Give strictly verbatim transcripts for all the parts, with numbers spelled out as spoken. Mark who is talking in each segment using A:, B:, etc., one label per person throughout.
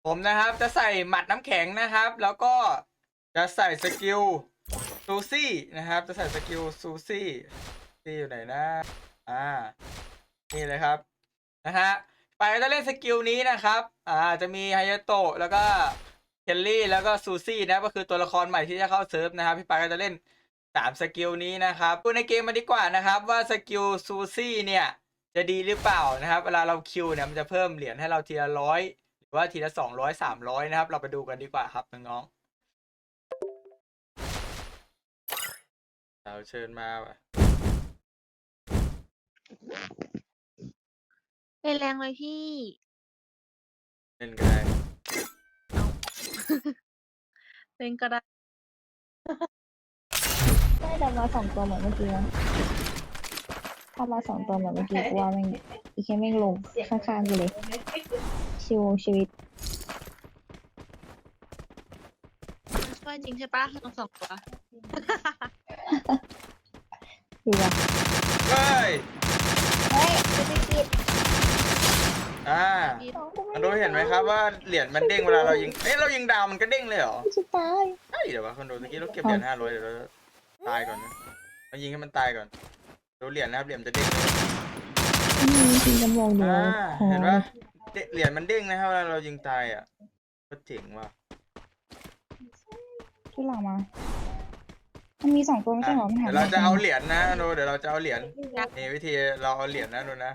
A: ผมนะครับจะใส่หมัดน้ำแข็งนะครับ แล้วก็จะใส่สกิลซูซี่นะครับ จะใส่สกิลซูซี่ที่อยู่ไหนนะอ่านี่เลยครับนะฮะไปจะเล่นสกิลนี้นะครับอ่าจะมีไฮยาโตะแล้วก็เคลลี่แล้วก็ซูซี่นะก็คือตัวละครใหม่ที่จะเข้าเซิร์ฟนะครับพี่ปาก็จะเล่นสามสกิลนี้นะครับดูในเกมมาดีกว่านะครับว่าสกิลซูซี่เนี่ยจะดีหรือเปล่านะครับเวลาเราคิวเนี่ยมันจะเพิ่มเหรียญให้เราทีละร้อยหรือว่าทีละสองร้อยสามร้อยนะครับเราไปดูกันดีกว่าครับน้องๆเราเชิญมาว่ะ
B: เล่นแรงเลยพี่
A: เล่นก็ได้
B: เล่นก็ได้
C: ได้แต่มาสองตัวเหมือนเมื่อกี้นะถ้ามาสองตัวเหมือนเมื่อกี้กูว่าแม่งอีแค่แม่งลงข้างๆกูเลย ชิวชีวิต
B: ช่วยจริงใช่ปะลงสองตัว
C: อยู่ว่ะ
A: เฮ้ย
C: เฮ้ยจะไปกิน
A: อ่า
B: พี่
C: น้องกูไม่
A: มันรู้เห็นไหมครับว่าเหรียญมันเด้งเวลาเรายิงเอ้ยเรายิงดาวมันก็เด้งเลยเหรอ
C: จะตาย
A: ใช่เดี๋ยววะคนดูเมื่อกี้เราเก็บเหรียญห้าร้อยเดี๋ยวเราตายก่อนนะเรายิงให้มันตายก่อนดูเหรียญนะครับเหรียญมันจะเด้งเลย
C: มีจริงกำลังเดียว
A: อ่า
C: พอ
A: เห็นปะเดเหรียญมันเด้งนะครับเวลาเรายิงตายอ่ะก็เจ๋งว่ะ
C: ที่หลังมา มันมีสองตัวไม่ใช่
A: อ่ะ
C: เหรอมันหา
A: เดี๋ยวเราจะเอาเหรียญนะดูเดี๋ยวเราจะเอาเหรียญนี่วิธีเราเอาเหรียญนะดูนะ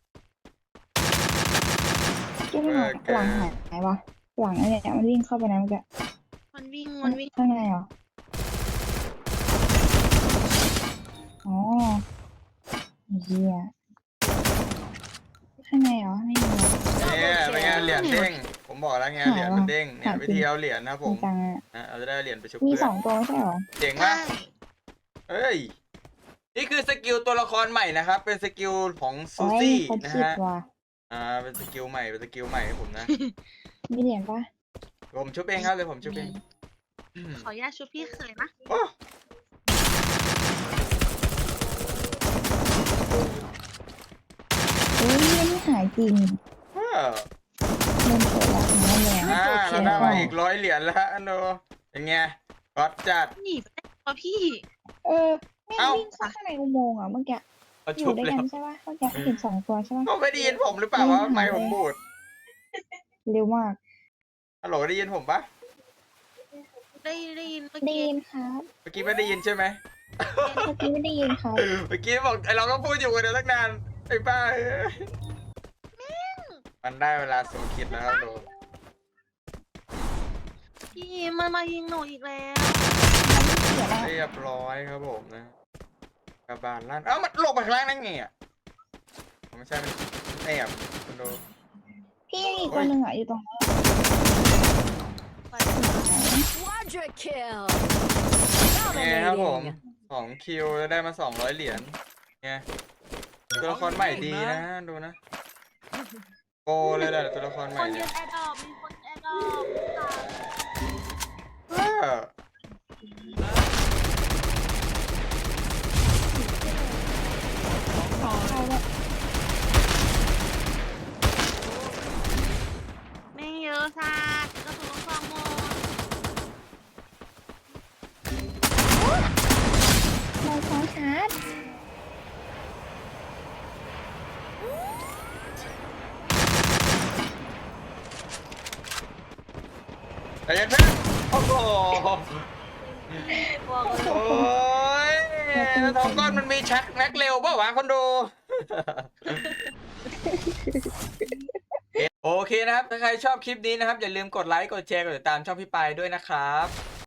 C: ที่มันหาหลังหายวะหลังไอ้เนี่ยมันวิ่งเข้าไปนะเมื่อกี้
B: มันวิ่งมันวิ่ง
C: ข้างในเหรอ อ๋อเฮียข้างในเหรอไม่มีเหรอ
A: เนี่ยเป็นไงเหรียญเด้งผมบอกแล้วไงเหรียญมันเด้งเนี่ยวิธีเอาเหรียญนะผ
C: จริ
A: ม
C: งจังอะ
A: นะเราจะได้เหรียญไปชุบ
C: มี
A: เพื่
C: ส
A: อ
C: อน งตัวไม่ใช่เหรอ
A: เจ๋ง
B: ใช่
A: ปะ เฮ้ย นี่คือสกิลตัวละครใหม่นะครับ เป็นสกิลของซู
C: โอ้ย
A: ซี่
C: เขา
A: นะ
C: คิด
A: ฮะ
C: ว่ะ
A: อ่า เป็นสกิลใหม่ เป็นสกิลใหม่ให้ผมนะ
C: มีเหรียญปะ
A: ผมชุบเองครับเลยผมชุบเองอืม
B: ขออนุญาตชุบพี่เขยนะ
A: โอ้
C: เฮ้ยไม่หายจริง
A: เออ
C: เล่นเปิดแล้วนะเลย
A: อ่าเราได้มาอีกร้อยเหรียญแล้วอันโนเป็นไงก๊อตจัด
B: หนีไปได้ปะพี่
C: เออไม่
A: เอ้า
C: วิ่งเข้าข้างในอุโมงค์อ่ะเมื่อกี้
A: เขา
C: อ
A: ชุ
C: ยู่
A: บ
C: ด้วย
A: แล้
C: กั
A: วน
C: ใช่ปะเมื่อกี้เห็นสองตัวใช่ปะ
A: เขาไม่ได้ยินผมหรือเปล่าวะไม่ผมบูด
C: เร็วมาก
A: ฮัลโหลได้ยินผมปะ
B: ได้ได้ยินเมื่อ
C: ได้
B: กี้
C: ยินครับ
A: เมื่อกี้ไม่ได้ยินใช่ไหม
C: เมื่อกี้ไม่ได้ยินครับ
A: เมื่อกี้บอกไอเราก็พูดอยู่กันเดี๋ยวตั้งนานไอ้บ้าเอ้ยมันได้เวลาสูงคิดแล้วครับโด
B: พี่มันมายิงหนูอีกแล้ว
C: เสียแล้ว
A: เรียบร้อยครับผมนะกระบาลลั่นเอ้ามันหลบไปข้างล่างได้ไงอ่ะไม่ใช่มันแอบคุณดู
C: พี่ยังอีกตัวหนึ่งอ่ะอยู่ตรงนั้น
B: ไป
D: Quadra kill.
A: เนี่ยครับผม
D: Dominating.
A: สองคิวแล้วได้มาสองร้อยเหรียญเนี่ยตัวละครใหม่ดีนะดูนะโกเลยแหละตัวละครให
B: ค
A: ม่
B: น
A: เนี่
B: ยื
A: ย
B: นแอดดอปมีคนแอดดอป
A: เออ
C: ใช่แล้ว
B: ไม่เยอะสักกระสุนลูกซองหมด
C: เราซ้อนชาร์จ
A: แต่ยังเพื่อนโอ้โห
B: บอกเลย
A: โอ้ยทองก้อนมันมีชักแม็กเร็วเปล่าวะคนดู โอเคนะครับ ถ้าใครชอบคลิปนี้นะครับ อย่าลืมกดไลค์ กดแชร์ กดติดตามช่องพี่ปายด้วยนะครับ